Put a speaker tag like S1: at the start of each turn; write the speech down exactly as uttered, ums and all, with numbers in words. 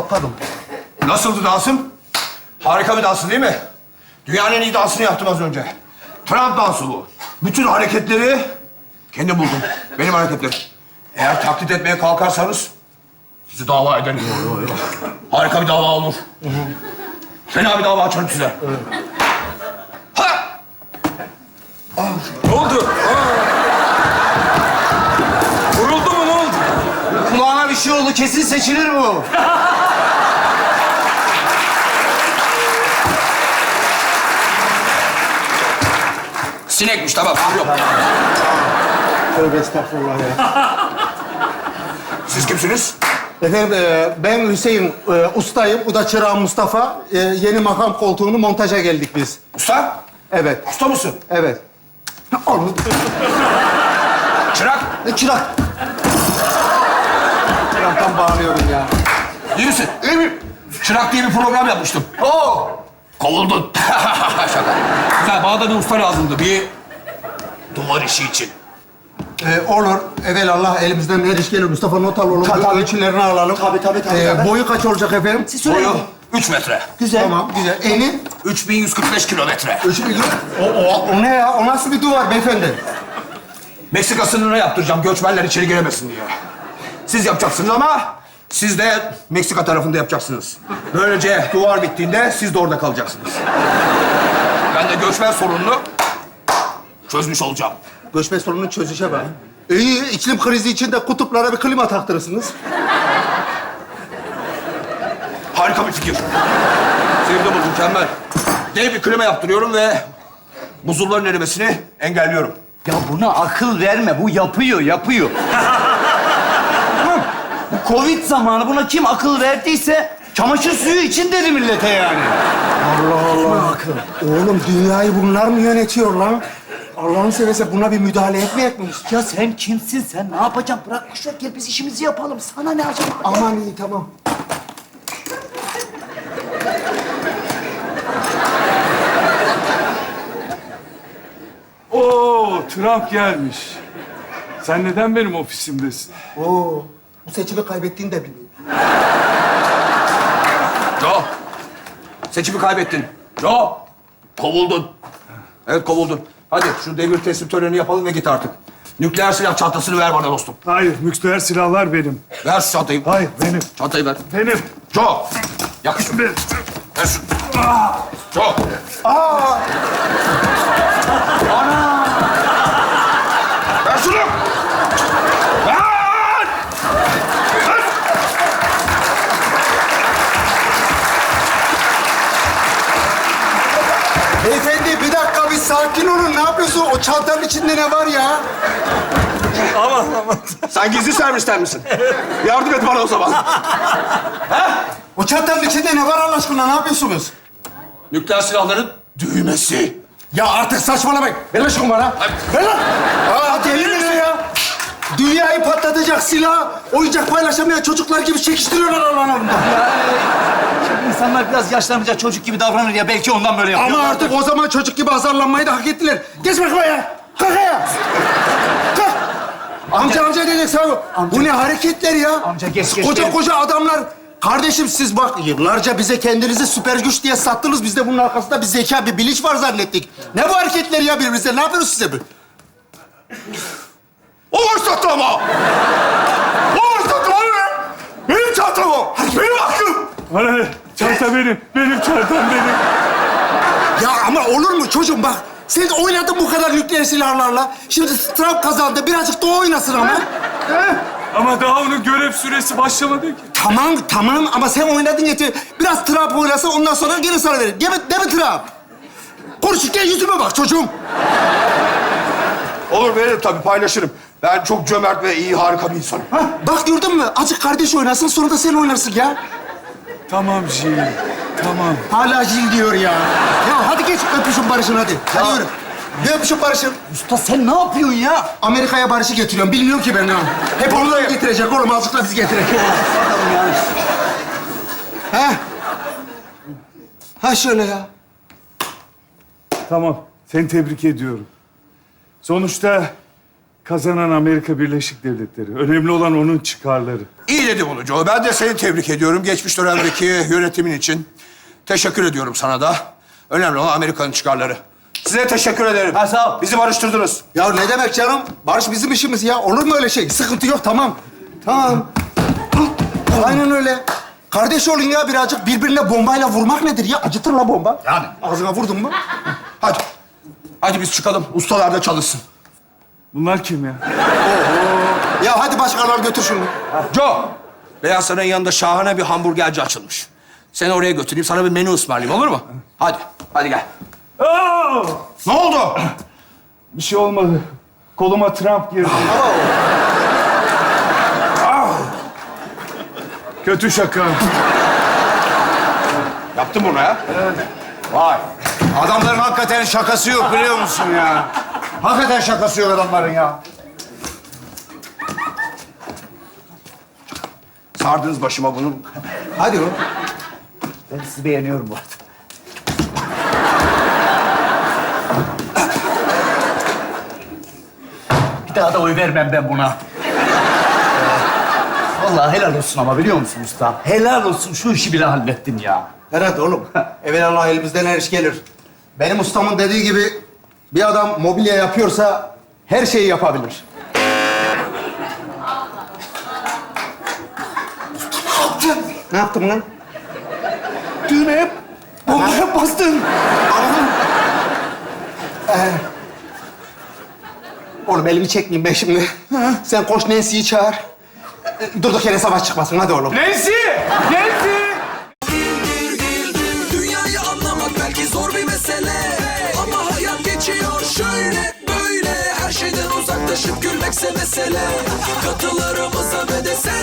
S1: patladım.
S2: Nasıldı dansım? Harika bir dansı değil mi? Dünyanın en iyi dansını yaptım az önce. Trump dansı bu. Bütün hareketleri kendim buldum. Benim hareketlerim. Eğer taklit etmeye kalkarsanız sizi dava ederim. Harika bir dava olur. Fena bir dava açarım size. Ha!
S3: Ne oldu? Aa. Vuruldu mu, ne oldu?
S1: Kulağına bir şey oldu. Kesin seçilir bu.
S2: Sinekmiş, tamam. Yok.
S1: Tövbe estağfurullah ya.
S2: Siz kimsiniz?
S1: Efendim e, ben Hüseyin e, ustayım. Bu da çırağım Mustafa. E, yeni makam koltuğunu montaja geldik biz.
S2: Usta?
S1: Evet.
S2: Usta mısın?
S1: Evet. Oğlum.
S2: Çırak?
S1: E, çırak. Çıraktan bağırıyorum ya.
S2: İyi misin? İyi mi? Çırak diye bir program yapmıştım. Oo! Kovuldun. Şaka. Güzel, bana da bir usta lazımdı. Bir duvar işi için.
S1: E, olur. Evelallah elimizden her iş gelir. Mustafa not al oğlum.
S4: Tabii, tabii.
S1: Ölçülerini alalım.
S4: Tabii, tabii, tabii,
S1: E,
S4: tabii.
S1: boyu kaç olacak efendim?
S4: Siz söyleyin.
S2: Boyu üç metre.
S4: Güzel.
S1: Tamam, güzel. Eni?
S2: üç bin yüz kırk beş kilometre.
S1: Üç bin. O, o, o ne ya? O nasıl bir duvar beyefendi?
S2: Meksika sınırına yaptıracağım, göçmenler içeri giremesin diye. Siz yapacaksınız ama siz de Meksika tarafında yapacaksınız. Böylece duvar bittiğinde siz de orada kalacaksınız. Ben de göçmen sorununu çözmüş olacağım.
S1: Göçmen sorununu çözüşe bak. İyi, iklim krizi içinde kutuplara bir klima taktırırsınız.
S2: Harika bir fikir. Sevdim bu, mükemmel. Dev bir klima yaptırıyorum ve buzulların erimesini engelliyorum.
S4: Ya buna akıl verme. Bu yapıyor, yapıyor. Tamam. Bu Covid zamanı buna kim akıl verdiyse çamaşır suyu için dedi millete yani.
S1: Allah Allah. Akıl. Oğlum dünyayı bunlar mı yönetiyor lan? Allah'ını seversen buna bir müdahale etmeyecek miyiz?
S4: Ya sen kimsin sen? Ne yapacaksın? Bırak boş ver, gel biz işimizi yapalım. Sana ne acaba?
S1: Aman iyi, tamam.
S3: Oo, Trump gelmiş. Sen neden benim ofisimdesin?
S1: Oo, bu seçimi kaybettiğini de biliyorum.
S2: Joe, seçimi kaybettin. Joe, kovuldun. Evet, kovuldun. Hadi şu devir teslim törenini yapalım ve git artık. Nükleer silah çantasını ver bana dostum.
S3: Hayır, nükleer silahlar benim.
S2: Ver şu çantayı.
S3: Hayır, benim.
S2: Çantayı ver.
S3: Benim.
S2: Joe, yakışın.
S3: Benim.
S2: Ver şunu. Joe. Ver şunu. Ver! Ver!
S1: Beyefendi bir dakika, bir sakin olun. Ne yapıyorsun? O çantanın içinde ne var ya?
S3: Aman aman.
S2: Sen gizli servisten misin? Yardım et bana o zaman.
S1: O çantanın içinde ne var Allah aşkına? Ne yapıyorsunuz?
S2: Nükleer silahların düğmesi.
S1: Ya artık saçmalamayın. Ver lan şunu bana. Ver lan. Aa, deli mi ne ya? Dünyayı patlatacak silah, oyuncak paylaşamayan çocuklar gibi çekiştiriyorlar aralarında.
S4: Şimdi insanlar biraz yaşlanınca çocuk gibi davranır ya. Belki ondan böyle yapıyor.
S1: Ama artık o zaman çocuk gibi azarlanmayı da hak ettiler. Geç bakayım ya. Kalk ya. Kalk. Amca amca dedik sana. Bu ne hareketler ya?
S4: Amca geç, geç,
S1: Koca
S4: geç.
S1: koca adamlar. Kardeşim siz bak yıllarca bize kendinizi süper güç diye sattınız. Biz de bunun arkasında bir zeka, bir bilinç var zannettik. Ne bu hareketler ya birbirinize? Ne yapıyorsunuz size bu?
S2: O başlattı ama! O başlattı abi! Benim çantam o! Benim hakkım!
S3: Bana ne? Çanta benim. Benim çantam benim.
S1: Ya ama olur mu çocuğum bak. Sen oynadın bu kadar nükleer silahlarla. Şimdi Trump kazandı. Birazcık da o oynasın ama.
S3: Ama daha onun görev süresi başlamadı ki.
S1: Tamam, tamam ama sen oynadın yeter. Biraz Trump oynasa ondan sonra geri sana veririm. Değil mi, değil mi Trump? Konuşurken yüzüme bak çocuğum.
S2: Olur, veririm tabii, paylaşırım. Ben çok cömert ve iyi, harika bir insanım.
S1: Ha, bak gördün mü? Azıcık kardeş oynasın sonra da sen oynarsın ya.
S3: Tamam Jil. Tamam.
S1: Hala Jil diyor ya. Ya hadi geç öpüşün barışın hadi. Hadi yürü. Ne öpüşün barışın?
S4: Usta sen ne yapıyorsun ya?
S1: Amerika'ya barışı getiriyorum. Bilmiyorum ki ben ne. Hep onları getirecek oğlum. Azıcık da bizi getirecek.
S4: Yani.
S1: Ha? Ha şöyle ya.
S3: Tamam. Seni tebrik ediyorum. Sonuçta kazanan Amerika Birleşik Devletleri. Önemli olan onun çıkarları.
S2: İyi dedi bunu Joe. Ben de seni tebrik ediyorum geçmiş dönemdeki yönetimin için. Teşekkür ediyorum sana da. Önemli olan Amerika'nın çıkarları. Size teşekkür ederim.
S4: Ha, sağ ol.
S2: Bizi barıştırdınız.
S1: Ya ne demek canım? Barış bizim işimiz ya. Olur mu öyle şey? Sıkıntı yok, tamam. Tamam. Aynen öyle. Kardeş olun ya birazcık. Birbirine bombayla vurmak nedir ya? Acıtır la bomba.
S2: Yani.
S1: Ağzına vurdun mu?
S2: Hadi. Hadi biz çıkalım. Ustalar da çalışsın.
S3: Bunlar kim ya?
S1: Ya hadi başkalar götür şunu.
S2: Joe. Beyaz Saray'ın yanında şahane bir hamburgerci açılmış. Seni oraya götüreyim. Sana bir menü ısmarlayayım. Olur mu? Hadi. Hadi gel.
S3: Aa!
S2: Ne oldu?
S3: Bir şey olmadı. Koluma Trump girdi. Ah! Kötü şaka.
S2: Yaptın bunu ha?
S5: Vay. Adamların hakikaten şakası yok biliyor musun ya? Hakikaten şakası yok adamların ya.
S2: Sardınız başıma bunu.
S1: Hadi oğlum.
S4: Ben sizi beğeniyorum bu arada. Bir daha da oy vermem ben buna. Vallahi helal olsun ama biliyor musun usta? Helal olsun, şu işi bile hallettin ya.
S1: Herhalde oğlum. Evelallah elimizden her iş gelir. Benim ustamın dediği gibi bir adam mobilya yapıyorsa her şeyi yapabilir. Ne yaptın lan?
S4: Düğmeye bombaya bastın.
S1: Oğlum elimi çekmeyeyim ben şimdi. Sen koş Nancy'yi çağır. Durduk yere savaş çıkmasın. Hadi oğlum.
S3: Nancy! Nancy!
S6: Dünyayı anlamak belki zor bir mesele, ama hayat geçiyor şöyle böyle. Her şeyden uzaklaşıp gülmekse mesele. Katılarımıza ve de sen